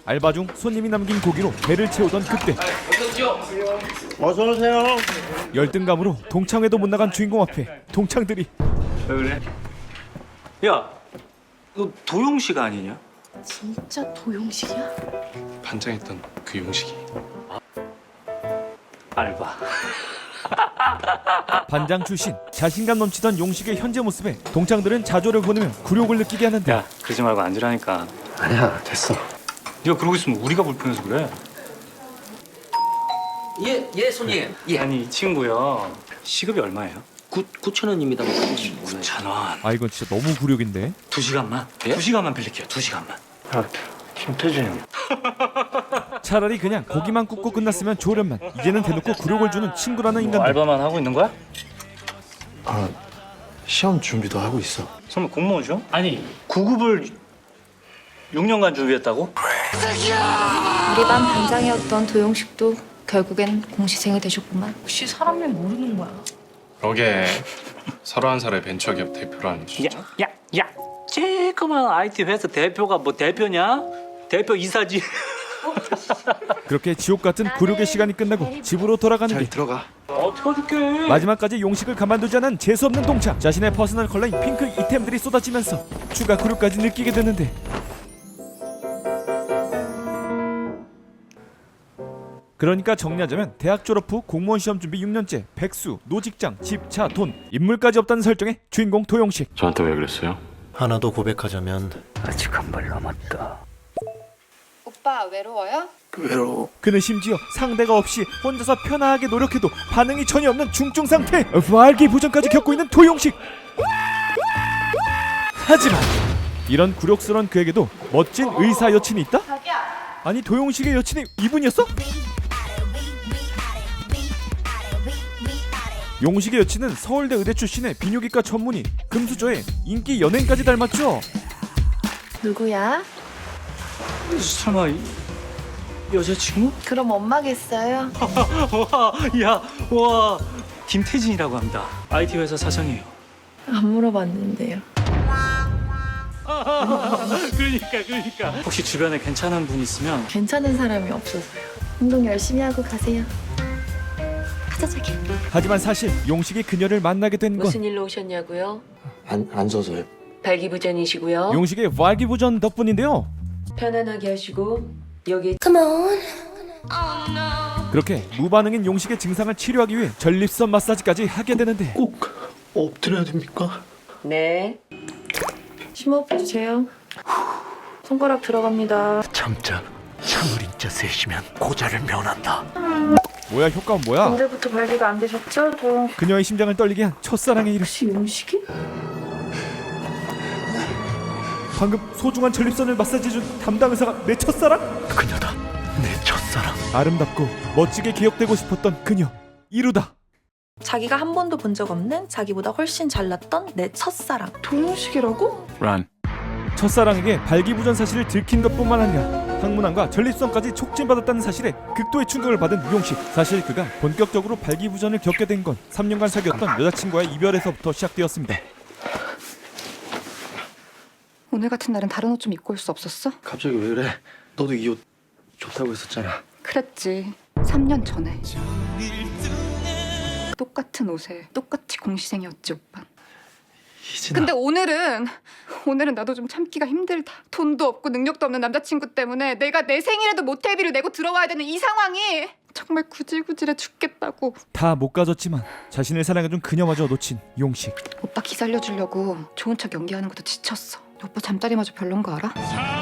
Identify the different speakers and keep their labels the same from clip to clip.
Speaker 1: 알바 중 손님이 남긴 고기로 배를 채우던 그때
Speaker 2: 어서 오세요.
Speaker 1: 열등감으로 동창회도 못 나간 주인공 앞에 동창들이
Speaker 3: 왜 그래? 야, 너 도용식 아니냐?
Speaker 4: 진짜 도용식이야?
Speaker 5: 반장했던 그 용식이.
Speaker 3: 알바.
Speaker 1: 반장 출신 자신감 넘치던 용식의 현재 모습에 동창들은 자조를 보내며 굴욕을 느끼게 하는데
Speaker 3: 야, 그러지 말고 앉으라니까.
Speaker 2: 아니야, 됐어.
Speaker 3: 네가 그러고 있으면 우리가 불편해서 그래.
Speaker 6: 예, 손님. 예.
Speaker 3: 아니, 이 친구요. 시급이 얼마예요?
Speaker 6: 9,000원입니다.
Speaker 3: 9,000원.
Speaker 1: 아 이건 진짜 너무 굴욕인데.
Speaker 3: 2시간만?
Speaker 6: 예?
Speaker 3: 2시간만 빌릴게요. 2시간만.
Speaker 2: 야, 김태진.
Speaker 1: 차라리 그냥 고기만 굽고 끝났으면 좋으련만 이제는 대놓고 굴욕을 주는 친구라는
Speaker 3: 뭐
Speaker 1: 인간들.
Speaker 3: 알바만 하고 있는 거야?
Speaker 2: 아, 시험 준비도 하고 있어.
Speaker 3: 설마 공무원이죠? 아니, 구급을 6년간 준비했다고?
Speaker 4: 우리 반 반장이었던 도용식도 결국엔 공시생이 되셨구만.
Speaker 7: 혹시 사람을 모르는 거야?
Speaker 5: 그러게 31살의 벤처기업 대표라니 진짜.
Speaker 3: 야! 쬐끄만 IT 회사 대표가 뭐 대표냐? 대표 이사지.
Speaker 1: 그렇게 지옥 같은 굴욕의 시간이 끝나고 집으로 돌아가는
Speaker 2: 잘
Speaker 1: 길.
Speaker 2: 들어가.
Speaker 3: 어떡해.
Speaker 1: 마지막까지 용식을 가만두지 않은 재수 없는 동창. 자신의 퍼스널 컬러인 핑크 이템들이 쏟아지면서 추가 굴욕까지 느끼게 되는데 그러니까 정리하자면 대학 졸업 후 공무원 시험 준비 6년째, 백수, 노직장, 집, 차, 돈, 인물까지 없다는 설정의 주인공 도용식.
Speaker 5: 저한테 왜 그랬어요?
Speaker 2: 하나 더 고백하자면
Speaker 3: 아직 한 발 남았다.
Speaker 4: 오빠 외로워요?
Speaker 2: 외로워.
Speaker 1: 그는 심지어 상대가 없이 혼자서 편하게 노력해도 반응이 전혀 없는 중증 상태. 발기부전까지 겪고 있는 도용식. 하지만 이런 굴욕스러운 그에게도 멋진 의사 여친이 있다? 아니 도용식의 여친이 이분이었어? 용식의 여친은 서울대 의대 출신의 비뇨기과 전문의, 금수저의 인기 연예인까지 닮았죠.
Speaker 4: 누구야?
Speaker 3: 설마 여자친구?
Speaker 4: 그럼 엄마겠어요?
Speaker 3: 와, 김태진이라고 합니다. IT 회사 사장이에요.
Speaker 4: 안 물어봤는데요.
Speaker 3: 그러니까. 혹시 주변에 괜찮은 분 있으면
Speaker 4: 괜찮은 사람이 없어서요. 운동 열심히 하고 가세요. 가자 자기.
Speaker 1: 하지만 사실 용식이 그녀를 만나게 된 건
Speaker 7: 무슨 일로 오셨냐고요?
Speaker 2: 안 써서요.
Speaker 7: 발기부전이시고요.
Speaker 1: 용식의 발기부전 덕분인데요.
Speaker 7: 편안하게 하시고 여기
Speaker 1: 그렇게 무반응인 용식의 증상을 치료하기 위해 전립선 마사지까지 하게 되는데
Speaker 2: 꼭 엎드려야 됩니까?
Speaker 7: 네.
Speaker 4: 심호흡 해주세요. 손가락 들어갑니다.
Speaker 2: 참자. 참을인자 셋이면 고자를 면한다.
Speaker 1: 뭐야 효과는 뭐야?
Speaker 4: 언제부터 발기가 안 되셨죠?
Speaker 1: 그녀의 심장을 떨리게 한 첫사랑의 이름.
Speaker 4: 혹시 용식이?
Speaker 1: 방금 소중한 전립선을 마사지해준 담당 의사가 내 첫사랑?
Speaker 2: 그녀다. 내 첫사랑.
Speaker 1: 아름답고 멋지게 기억되고 싶었던 그녀. 이루다.
Speaker 8: 자기가 한 번도 본 적 없는 자기보다 훨씬 잘났던 내 첫사랑.
Speaker 4: 도용식이라고?
Speaker 5: 란.
Speaker 1: 첫사랑에게 발기부전 사실을 들킨 것뿐만 아니라 항문암과 전립선까지 촉진받았다는 사실에 극도의 충격을 받은 용식. 사실 그가 본격적으로 발기부전을 겪게 된 건 3년간 사귀었던 여자친구와의 이별에서부터 시작되었습니다.
Speaker 9: 오늘 같은 날은 다른 옷 좀 입고 올 수 없었어?
Speaker 2: 갑자기 왜 그래? 너도 이 옷 좋다고 했었잖아.
Speaker 9: 그랬지. 3년 전에. 똑같은 옷에 똑같이 공시생이었지 오빠.
Speaker 2: 희진아.
Speaker 9: 근데 오늘은 나도 좀 참기가 힘들다. 돈도 없고 능력도 없는 남자친구 때문에 내가 내 생일에도 모텔비를 내고 들어와야 되는 이 상황이 정말 구질구질해 죽겠다고.
Speaker 1: 다 못 가졌지만 자신을 사랑해준 그녀마저 놓친 용식.
Speaker 9: 오빠 기 살려주려고 좋은 척 연기하는 것도 지쳤어. 오빠 잠자리마저 별론 거 알아?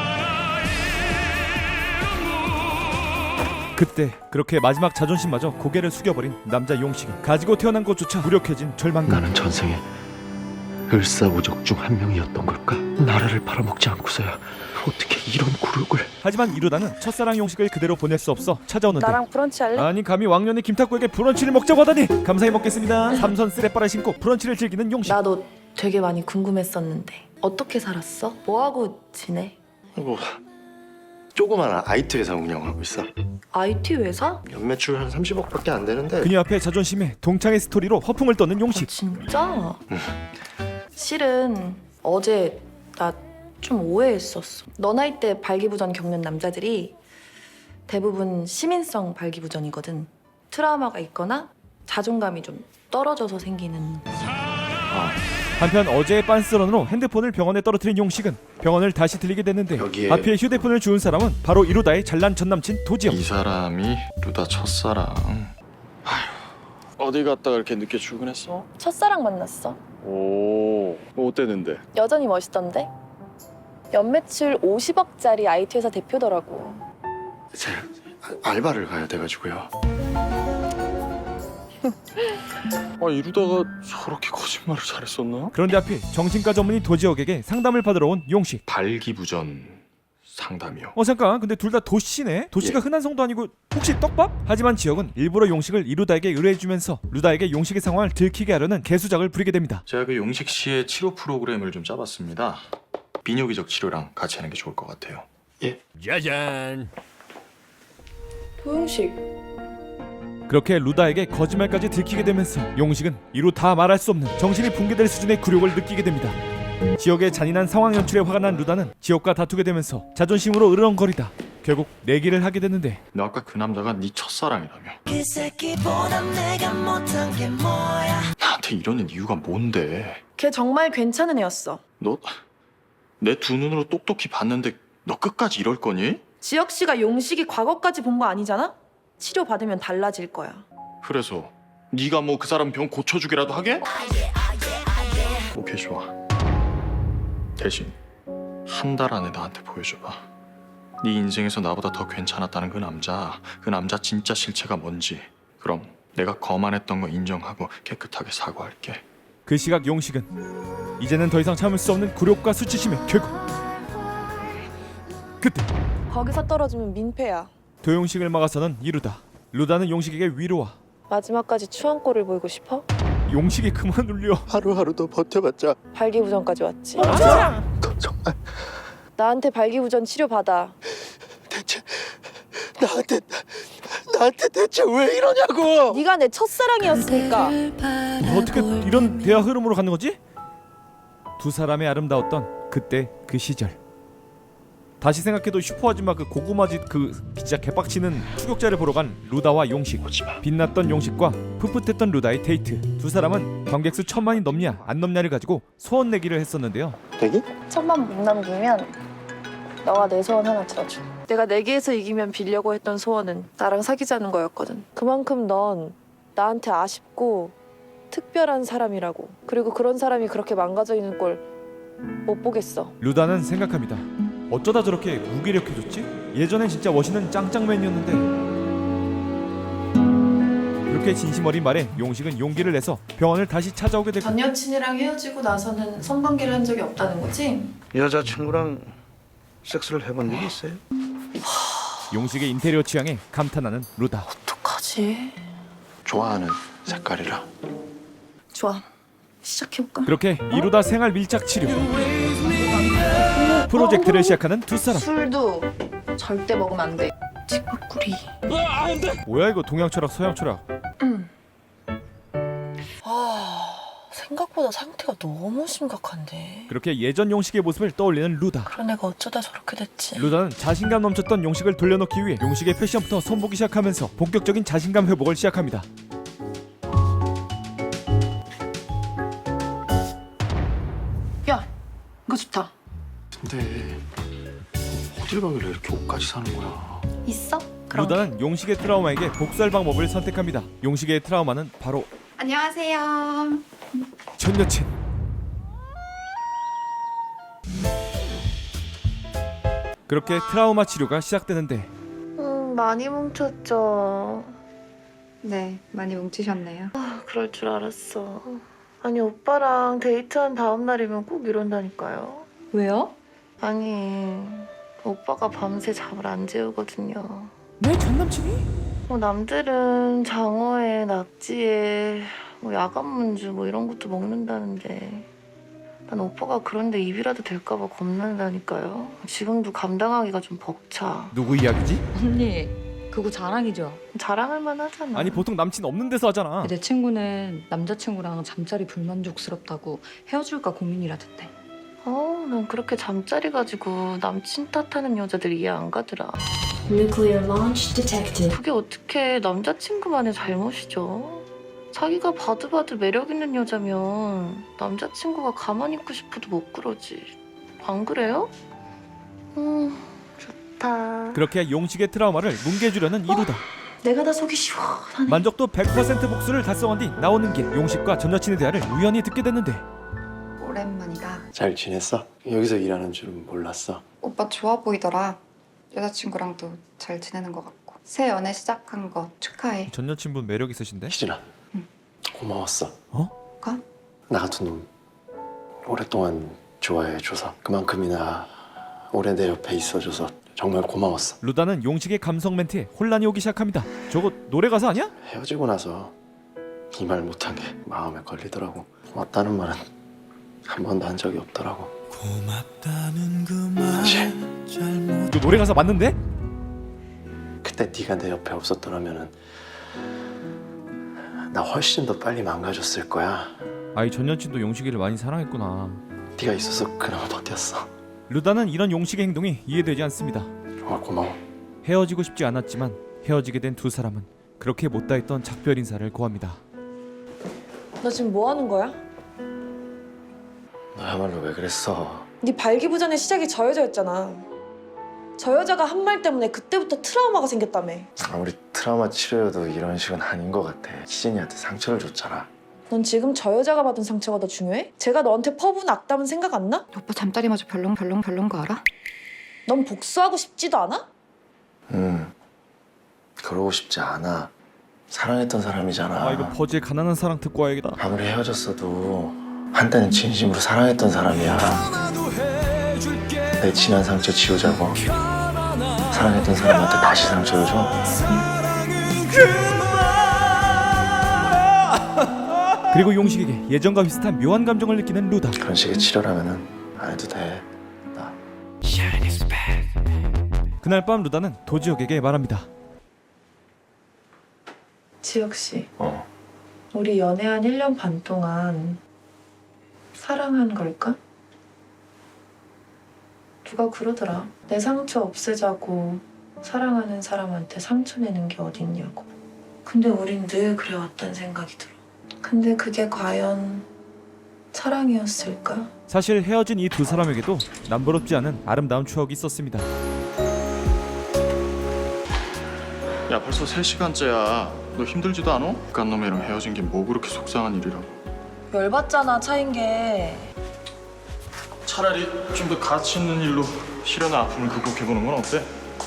Speaker 1: 그때 그렇게 마지막 자존심마저 고개를 숙여버린 남자 용식이 가지고 태어난 것조차 무력해진 절망감.
Speaker 2: 나는 전생에 을사오적 중 한 명이었던 걸까? 나라를 팔아먹지 않고서야 어떻게 이런 굴욕을.
Speaker 1: 하지만 이루다는 첫사랑 용식을 그대로 보낼 수 없어 찾아오는데
Speaker 8: 나랑 브런치 할래?
Speaker 1: 아니 감히 왕년의 김탁구에게 브런치를 먹자고 하다니. 감사히 먹겠습니다. 삼선 쓰레빠를 신고 브런치를 즐기는 용식.
Speaker 4: 나도 되게 많이 궁금했었는데 어떻게 살았어? 뭐하고 지내?
Speaker 2: 뭐 조그마한 IT 회사 운영하고 있어.
Speaker 4: IT 회사?
Speaker 2: 연매출 한 30억밖에 안 되는데.
Speaker 1: 그녀 앞에 자존심에 동창의 스토리로 허풍을 떠는 용식.
Speaker 4: 진짜? 실은 어제 나
Speaker 8: 좀 오해했었어. 너 나이 때 발기부전 겪는 남자들이 대부분 시민성 발기부전이거든. 트라우마가 있거나 자존감이 좀 떨어져서 생기는.
Speaker 1: 한편 어제의 빤스런으로 핸드폰을 병원에 떨어뜨린 용식은 병원을 다시 들리게 됐는데
Speaker 2: 여기에-
Speaker 1: 하필 휴대폰을 주운 사람은 바로 이루다의 잘난 전남친 도지영.
Speaker 2: 이 사람이 루다 첫사랑. 아휴, 어디 갔다 그렇게 늦게 출근했어?
Speaker 8: 첫사랑 만났어.
Speaker 2: 오, 뭐 어땠는데?
Speaker 8: 여전히 멋있던데? 연매출 50억짜리 IT 회사 대표더라고.
Speaker 2: 제가 알바를 가야 돼가지고요. 이러다가 저렇게 거짓말을 잘했었나?
Speaker 1: 그런데 하필 정신과 전문의 도지혁에게 상담을 받으러 온 용식.
Speaker 2: 발기부전 상담이요.
Speaker 1: 잠깐, 근데 둘 다 도씨네? 도씨가 흔한 성도 아니고 혹시 떡밥? 하지만 지혁은 일부러 용식을 이루다에게 의뢰해주면서 루다에게 용식의 상황을 들키게 하려는 개수작을 부리게 됩니다.
Speaker 2: 제가 그 용식 씨의 치료 프로그램을 좀 짜봤습니다. 비뇨기적 치료랑 같이 하는 게 좋을 것 같아요. 예.
Speaker 8: 도용식.
Speaker 1: 그렇게 루다에게 거짓말까지 들키게 되면서 용식은 이루 다 말할 수 없는 정신이 붕괴될 수준의 굴욕을 느끼게 됩니다. 지혁의 잔인한 상황 연출에 화가 난 루다는 지혁과 다투게 되면서 자존심으로 으르렁거리다 결국 내기를 하게 되는데
Speaker 2: 너 아까 그 남자가 네 첫사랑이라며. 나한테 이러는 이유가 뭔데?
Speaker 8: 걔 정말 괜찮은 애였어.
Speaker 2: 너 내 두 눈으로 똑똑히 봤는데 너 끝까지 이럴 거니?
Speaker 8: 지혁 씨가 용식이 과거까지 본 거 아니잖아? 치료 받으면 달라질 거야.
Speaker 2: 그래서 네가 뭐 그 사람 병 고쳐주기라도 하게? 오케이, 좋아. 대신 한 달 안에 나한테 보여줘봐. 네 인생에서 나보다 더 괜찮았다는 그 남자 진짜 실체가 뭔지. 그럼 내가 거만했던 거 인정하고 깨끗하게 사과할게.
Speaker 1: 그 시각 용식은 이제는 더 이상 참을 수 없는 굴욕과 수치심에 결국 그때
Speaker 8: 거기서 떨어지면 민폐야.
Speaker 1: 도용식을 막아서는 이루다. 루다는 용식에게 위로와
Speaker 8: 마지막까지 추한꼴을 보이고 싶어?
Speaker 1: 용식이 그만 울려.
Speaker 2: 하루하루 더 버텨봤자
Speaker 8: 발기부전까지 왔지.
Speaker 2: 너 정말
Speaker 8: 나한테 발기부전 치료 받아.
Speaker 2: 대체 나한테 대체 왜 이러냐고.
Speaker 8: 네가 내 첫사랑이었으니까.
Speaker 1: 어떻게 이런 대화 흐름으로 가는 거지? 두 사람의 아름다웠던 그때 그 시절. 다시 생각해도 슈퍼아줌마 그 고구마짓 그 진짜 개빡치는 추격자를 보러 간 루다와 용식. 빛났던 용식과 풋풋했던 루다의 데이트. 두 사람은 관객수 1000만이 넘냐 안 넘냐를 가지고 소원 내기를 했었는데요.
Speaker 2: 대기?
Speaker 8: 1000만 못 남기면 너가 내 소원 하나 들어줘. 내가 내기에서 이기면 빌려고 했던 소원은 나랑 사귀자는 거였거든. 그만큼 넌 나한테 아쉽고 특별한 사람이라고. 그리고 그런 사람이 그렇게 망가져 있는 꼴 못 보겠어.
Speaker 1: 루다는 생각합니다. 어쩌다 저렇게 무기력해졌지? 예전엔 진짜 멋있는 짱짱맨이었는데. 그렇게 진심 어린 말에 용식은 용기를 내서 병원을 다시 찾아오게 되고
Speaker 8: 전 여친이랑 헤어지고 나서는 성관계를 한 적이 없다는 거지?
Speaker 10: 여자친구랑 섹스를 해본 적이 있어요?
Speaker 1: 용식의 인테리어 취향에 감탄하는 루다.
Speaker 8: 어떡하지?
Speaker 2: 좋아하는 색깔이라.
Speaker 8: 좋아. 시작해볼까?
Speaker 1: 그렇게 이루다 생활 밀착 치료 프로젝트를 시작하는 두 사람.
Speaker 8: 술도 절대 먹으면 안 돼. 치과꾸리.
Speaker 1: 뭐야 이거 동양 철학 서양 철학.
Speaker 8: 생각보다 상태가 너무 심각한데.
Speaker 1: 그렇게 예전 용식의 모습을 떠올리는 루다.
Speaker 8: 그런 애가 어쩌다 저렇게 됐지?
Speaker 1: 루다는 자신감 넘쳤던 용식을 돌려놓기 위해 용식의 패션부터 손보기 시작하면서 본격적인 자신감 회복을 시작합니다.
Speaker 8: 야, 이거 좋다.
Speaker 2: 근데 어딜 가길래 이렇게 옷까지 사는 거야?
Speaker 8: 있어? 그럼.
Speaker 1: 루다는 용식의 트라우마에게 복수할 방법을 선택합니다. 용식의 트라우마는 바로
Speaker 9: 안녕하세요.
Speaker 1: 전 여친. 그렇게 트라우마 치료가 시작되는데
Speaker 4: 많이 뭉쳤죠.
Speaker 9: 네, 많이 뭉치셨네요.
Speaker 4: 그럴 줄 알았어. 아니 오빠랑 데이트한 다음 날이면 꼭 이런다니까요.
Speaker 7: 왜요?
Speaker 4: 아니 오빠가 밤새 잠을 안 재우거든요.
Speaker 1: 내 전남친이?
Speaker 4: 남들은 장어에 낙지에 야간 문주 이런 것도 먹는다는데 난 오빠가 그런데 입이라도 될까봐 겁난다니까요. 지금도 감당하기가 좀 벅차.
Speaker 1: 누구 이야기지?
Speaker 7: 언니, 그거 자랑이죠?
Speaker 4: 자랑할 만하잖아.
Speaker 1: 아니 보통 남친 없는 데서 하잖아.
Speaker 7: 내 친구는 남자친구랑 잠자리 불만족스럽다고 헤어질까 고민이라던데.
Speaker 4: 난 그렇게 잠자리 가지고 남친 탓하는 여자들 이해 안 가더라.
Speaker 11: Nuclear launch detected.
Speaker 4: 그게 어떻게 남자친구만의 잘못이죠? 자기가 봐도 매력 있는 여자면 남자친구가 가만히 있고 싶어도 못 그러지. 안 그래요? 좋다.
Speaker 1: 그렇게 용식의 트라우마를 뭉개주려는 이루다.
Speaker 11: 내가 다 속이 시원하네.
Speaker 1: 만족도 100% 복수를 달성한 뒤 나오는 길 용식과 전 여친의 대화를 우연히 듣게 됐는데
Speaker 9: 오랜만이다.
Speaker 5: 잘 지냈어? 여기서 일하는 줄은 몰랐어.
Speaker 9: 오빠 좋아 보이더라. 여자친구랑도 잘 지내는 것 같고. 새 연애 시작한 거 축하해.
Speaker 1: 전 여친분 매력 있으신데?
Speaker 5: 희진아, 고마웠어.
Speaker 9: 가?
Speaker 5: 나 같은 놈 오랫동안 좋아해줘서 그만큼이나 오래 내 옆에 있어줘서 정말 고마웠어.
Speaker 1: 루다는 용식의 감성 멘트에 혼란이 오기 시작합니다. 저거 노래 가사 아니야?
Speaker 5: 헤어지고 나서 이 말 못한 게 마음에 걸리더라고. 고맙다는 말은 한 번도 한 적이 없더라고. 사실
Speaker 1: 이거 노래 가사 맞는데?
Speaker 5: 그때 네가 내 옆에 없었더라면은 나 훨씬 더 빨리 망가졌을 거야.
Speaker 1: 아이 전 여친도 용식이를 많이 사랑했구나.
Speaker 5: 네가 있어서 그나마 버텼어.
Speaker 1: 루다는 이런 용식의 행동이 이해되지 않습니다.
Speaker 5: 정말 고마워.
Speaker 1: 헤어지고 싶지 않았지만 헤어지게 된 두 사람은 그렇게 못다 했던 작별 인사를 고합니다.
Speaker 8: 너 지금 뭐 하는 거야?
Speaker 5: 너야말로 왜 그랬어?
Speaker 8: 네 발기부전의 시작이 저 여자였잖아. 저 여자가 한 말 때문에 그때부터 트라우마가 생겼다며.
Speaker 5: 아무리 트라우마 치료여도 이런 식은 아닌 것 같아. 희진이한테 상처를 줬잖아.
Speaker 8: 넌 지금 저 여자가 받은 상처가 더 중요해? 제가 너한테 퍼부은 악담은 생각 안 나?
Speaker 9: 오빠 잠자리마저 별론 거 알아?
Speaker 8: 넌 복수하고 싶지도 않아?
Speaker 5: 그러고 싶지 않아. 사랑했던 사람이잖아.
Speaker 1: 아 이거 버즈의 가난한 사랑 듣고 와야겠다.
Speaker 5: 아무리 헤어졌어도 한때는 진심으로 사랑했던 사람이야. 내 지난 상처 지우자고 사랑했던 사람한테 다시 상처를 줘?
Speaker 1: 그리고 용식에게 예전과 비슷한 묘한 감정을 느끼는 루다.
Speaker 5: 그런 식의 치료라면은 안 해도 돼. 나
Speaker 1: 그날 밤 루다는 도지혁에게 말합니다.
Speaker 4: 지혁 씨,
Speaker 5: 어.
Speaker 4: 우리 연애한 1년 반 동안 사랑한 걸까? 누가 그러더라. 내 상처 없애자고 사랑하는 사람한테 상처 내는 게 어딨냐고. 근데 우린 늘 그래왔단 생각이 들어. 근데 그게 과연 사랑이었을까?
Speaker 1: 사실 헤어진 이 두 사람에게도 남부럽지 않은 아름다운 추억이 있었습니다.
Speaker 2: 야 벌써 3시간째야. 너 힘들지도 않아? 간 놈이랑 헤어진 게 뭐 그렇게 속상한 일이라고.
Speaker 8: 열받잖아 차인 게.
Speaker 2: 차라리 좀 더 가치 있는 일로 시련의 아픔을 극복해보는 건 어때?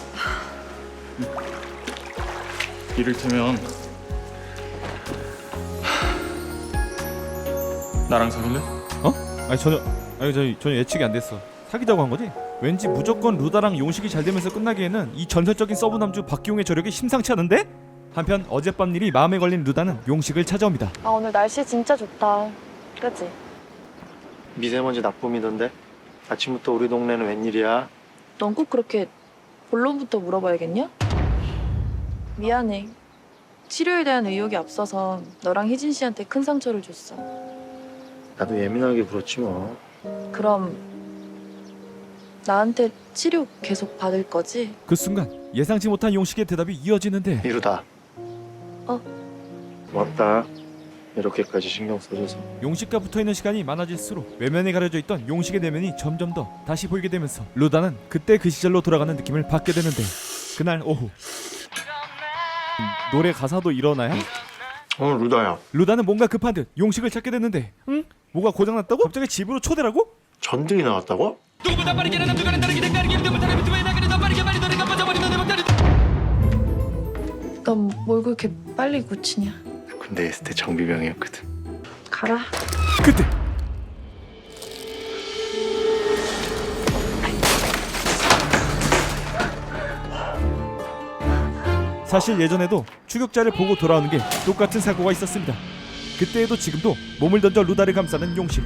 Speaker 2: 이를테면 나랑 사귈래?
Speaker 1: 아니 전혀 예측이 안 됐어. 사귀자고 한 거지? 왠지 무조건 루다랑 용식이 잘 되면서 끝나기에는 이 전설적인 서브 남주 박기용의 저력이 심상치 않은데? 한편 어젯밤 일이 마음에 걸린 루다는 용식을 찾아옵니다.
Speaker 8: 아 오늘 날씨 진짜 좋다. 그치?
Speaker 5: 미세먼지 나쁨이던데? 아침부터 우리 동네는 웬일이야?
Speaker 8: 넌 꼭 그렇게 본론부터 물어봐야겠냐? 미안해. 치료에 대한 의욕이 앞서서 너랑 희진 씨한테 큰 상처를 줬어.
Speaker 5: 나도 예민하게 굴었지 뭐.
Speaker 8: 그럼 나한테 치료 계속 받을 거지?
Speaker 1: 그 순간 예상치 못한 용식의 대답이 이어지는데
Speaker 5: 이루다.
Speaker 8: 어?
Speaker 5: 고맙다. 이렇게까지 신경 써줘서.
Speaker 1: 용식과 붙어있는 시간이 많아질수록 외면에 가려져 있던 용식의 내면이 점점 더 다시 보이게 되면서 루다는 그때 그 시절로 돌아가는 느낌을 받게 되는데 그날 오후 노래 가사도 일어나야?
Speaker 5: 루다야.
Speaker 1: 루다는 뭔가 급한 듯 용식을 찾게 됐는데 응? 뭐가 고장났다고? 갑자기 집으로 초대라고?
Speaker 5: 전등이 나왔다고?
Speaker 4: 넌 뭘 그렇게 빨리 고치냐?
Speaker 5: 군대에 있을 때 정비병이었거든.
Speaker 4: 가라.
Speaker 1: 그때 사실 예전에도 추격자를 보고 돌아오는 게 똑같은 사고가 있었습니다. 그때에도 지금도 몸을 던져 루다를 감싸는 용식.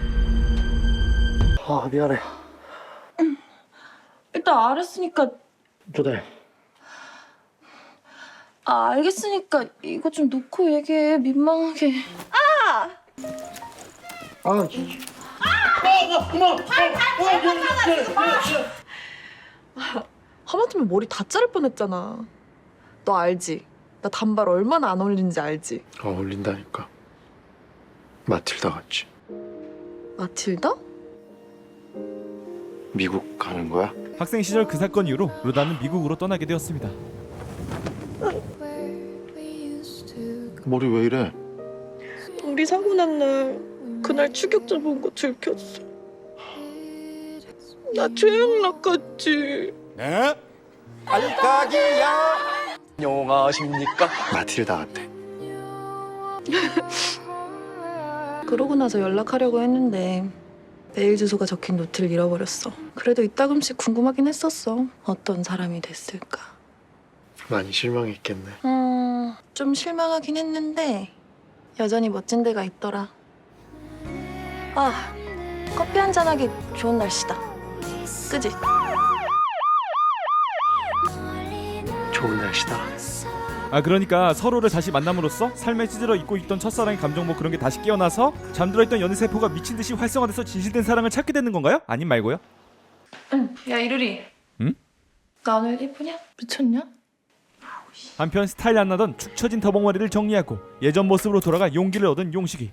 Speaker 5: 아 미안해.
Speaker 8: 일단 알았으니까.
Speaker 5: 루다야.
Speaker 8: 아 알겠으니까 이거 좀 놓고 얘기해. 민망하게.
Speaker 10: 아,
Speaker 8: 하마터면 머리 다 자를 뻔했잖아. 너 알지? 나 단발 얼마나 안 어울리는지 알지?
Speaker 5: 어울린다니까. 마틸다 같지.
Speaker 8: 마틸다?
Speaker 5: 미국 가는 거야?
Speaker 1: 학생 시절 그 사건 이후로 루다는 미국으로 떠나게 되었습니다.
Speaker 2: 머리 왜 이래?
Speaker 8: 우리 사고 난 날 그날 추격자 본 거 들켰어. 나 최양 낚았지.
Speaker 10: 네? 알까기야.
Speaker 5: 안녕하십니까? 마틸다 같아.
Speaker 8: 그러고 나서 연락하려고 했는데 메일 주소가 적힌 노트를 잃어버렸어. 그래도 이따금씩 궁금하긴 했었어. 어떤 사람이 됐을까.
Speaker 5: 많이 실망했겠네.
Speaker 8: 좀 실망하긴 했는데 여전히 멋진 데가 있더라. 아, 커피 한잔 하기 좋은 날씨다. 그지?
Speaker 5: 좋은 날씨다.
Speaker 1: 아 그러니까 서로를 다시 만남으로써 삶에 찌들어 있고 있던 첫사랑의 감정 뭐 그런 게 다시 깨어나서 잠들어 있던 연애 세포가 미친 듯이 활성화돼서 진실된 사랑을 찾게 되는 건가요? 아님 말고요?
Speaker 8: 응. 야 이루리.
Speaker 1: 응?
Speaker 8: 나 오늘 예쁘냐? 미쳤냐?
Speaker 1: 한편 스타일 안 나던 축 처진 더벅머리를 정리하고 예전 모습으로 돌아가 용기를 얻은 용식이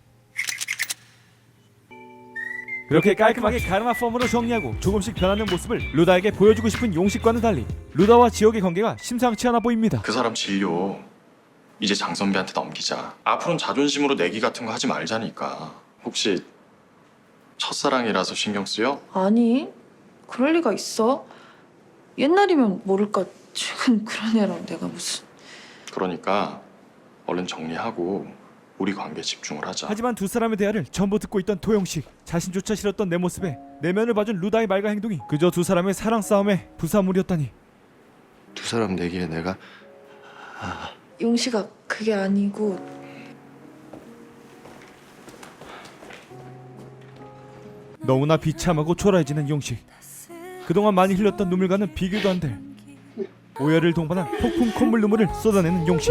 Speaker 1: 그렇게 깔끔하게 가르마 펌으로 정리하고 조금씩 변하는 모습을 루다에게 보여주고 싶은 용식과는 달리 루다와 지혁의 관계가 심상치 않아 보입니다.
Speaker 2: 그 사람 진료 이제 장 선배한테 넘기자. 앞으로는 자존심으로 내기 같은 거 하지 말자니까. 혹시 첫사랑이라서 신경 쓰여?
Speaker 8: 아니, 그럴 리가 있어. 옛날이면 모를까. 최근 그런 애랑 내가 무슨.
Speaker 2: 그러니까 얼른 정리하고 우리 관계에 집중을 하자.
Speaker 1: 하지만 두 사람의 대화를 전부 듣고 있던 도영식 자신조차 싫었던 내 모습에 내면을 봐준 루다의 말과 행동이 그저 두 사람의 사랑 싸움의 부사물이었다니.
Speaker 5: 두 사람 내기에 내가
Speaker 8: 용식아, 그게 아니고.
Speaker 1: 너무나 비참하고 초라해지는 용식. 그동안 많이 흘렸던 눈물과는 비교도 안 될 오열을 동반한 폭풍 콧물 눈물을 쏟아내는 용식.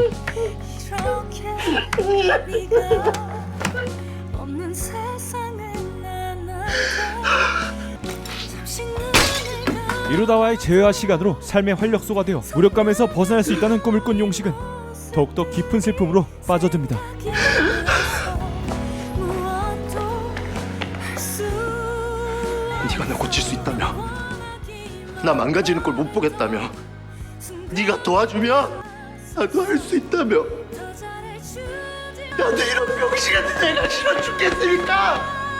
Speaker 1: 이루다와의 재회와 시간으로 삶의 활력소가 되어 무력감에서 벗어날 수 있다는 꿈을 꾼 용식은 더욱더 깊은 슬픔으로 빠져듭니다.
Speaker 5: 네가 나 고칠 수 있다며, 나 망가지는 걸 못 보겠다며, 네가 도와주면 나도 할 수 있다며. 나도 이런 병신 같은 애가 싫어 죽겠으니까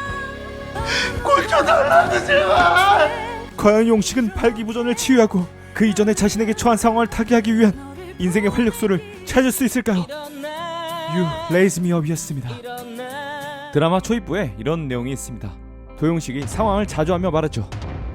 Speaker 5: 꼴 쳐달라고 제발.
Speaker 1: 과연 용식은 발기부전을 치유하고 그 이전에 자신에게 처한 상황을 타개하기 위한 인생의 활력소를 찾을 수 있을까요? You Raise Me Up이었습니다. 드라마 초입부에 이런 내용이 있습니다. 도용식이 상황을 자조하며 말하죠.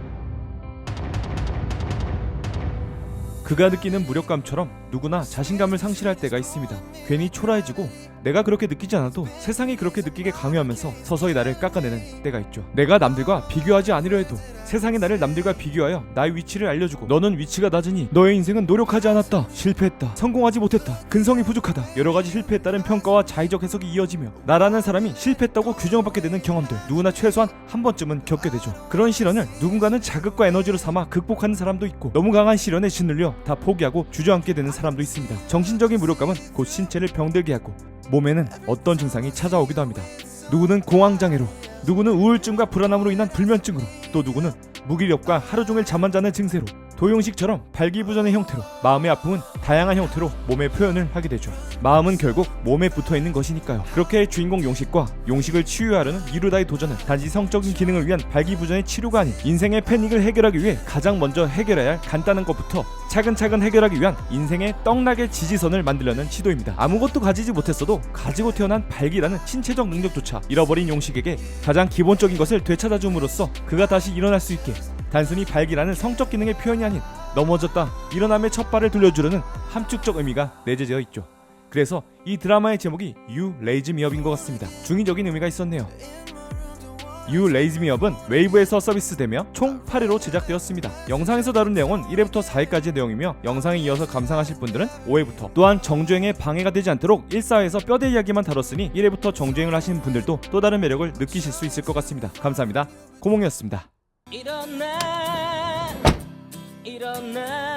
Speaker 1: 그가 느끼는 무력감처럼 누구나 자신감을 상실할 때가 있습니다. 괜히 초라해지고 내가 그렇게 느끼지 않아도 세상이 그렇게 느끼게 강요하면서 서서히 나를 깎아내는 때가 있죠. 내가 남들과 비교하지 않으려 해도 세상이 나를 남들과 비교하여 나의 위치를 알려주고 너는 위치가 낮으니 너의 인생은 노력하지 않았다, 실패했다, 성공하지 못했다, 근성이 부족하다, 여러가지 실패에 따른 평가와 자의적 해석이 이어지며 나라는 사람이 실패했다고 규정받게 되는 경험들 누구나 최소한 한 번쯤은 겪게 되죠. 그런 시련을 누군가는 자극과 에너지로 삼아 극복하는 사람도 있고 너무 강한 시련에 짓눌려 다 포기하고 주저앉게 되는 사람도 있습니다. 정신적인 무력감은 곧 신체를 병들게 하고 몸에는 어떤 증상이 찾아오기도 합니다. 누구는 공황장애로, 누구는 우울증과 불안함으로 인한 불면증으로, 또 누구는 무기력과 하루 종일 잠 안 자는 증세로, 도용식처럼 발기부전의 형태로 마음의 아픔은 다양한 형태로 몸에 표현을 하게 되죠. 마음은 결국 몸에 붙어있는 것이니까요. 그렇게 주인공 용식과 용식을 치유하려는 이루다의 도전은 단지 성적인 기능을 위한 발기부전의 치료가 아닌 인생의 패닉을 해결하기 위해 가장 먼저 해결해야 할 간단한 것부터 차근차근 해결하기 위한 인생의 떡락의 지지선을 만들려는 시도입니다. 아무것도 가지지 못했어도 가지고 태어난 발기라는 신체적 능력조차 잃어버린 용식에게 가장 기본적인 것을 되찾아줌으로써 그가 다시 일어날 수 있게 단순히 발기라는 성적 기능의 표현이 아닌 넘어졌다 일어남의 첫 발을 돌려주려는 함축적 의미가 내재되어 있죠. 그래서 이 드라마의 제목이 You Raise Me Up인 것 같습니다. 중의적인 의미가 있었네요. You Raise Me Up은 웨이브에서 서비스되며 총 8회로 제작되었습니다. 영상에서 다룬 내용은 1회부터 4회까지의 내용이며 영상에 이어서 감상하실 분들은 5회부터, 또한 정주행에 방해가 되지 않도록 1사회에서 뼈대 이야기만 다뤘으니 1회부터 정주행을 하시는 분들도 또 다른 매력을 느끼실 수 있을 것 같습니다. 감사합니다. 고몽이었습니다.
Speaker 6: 일어나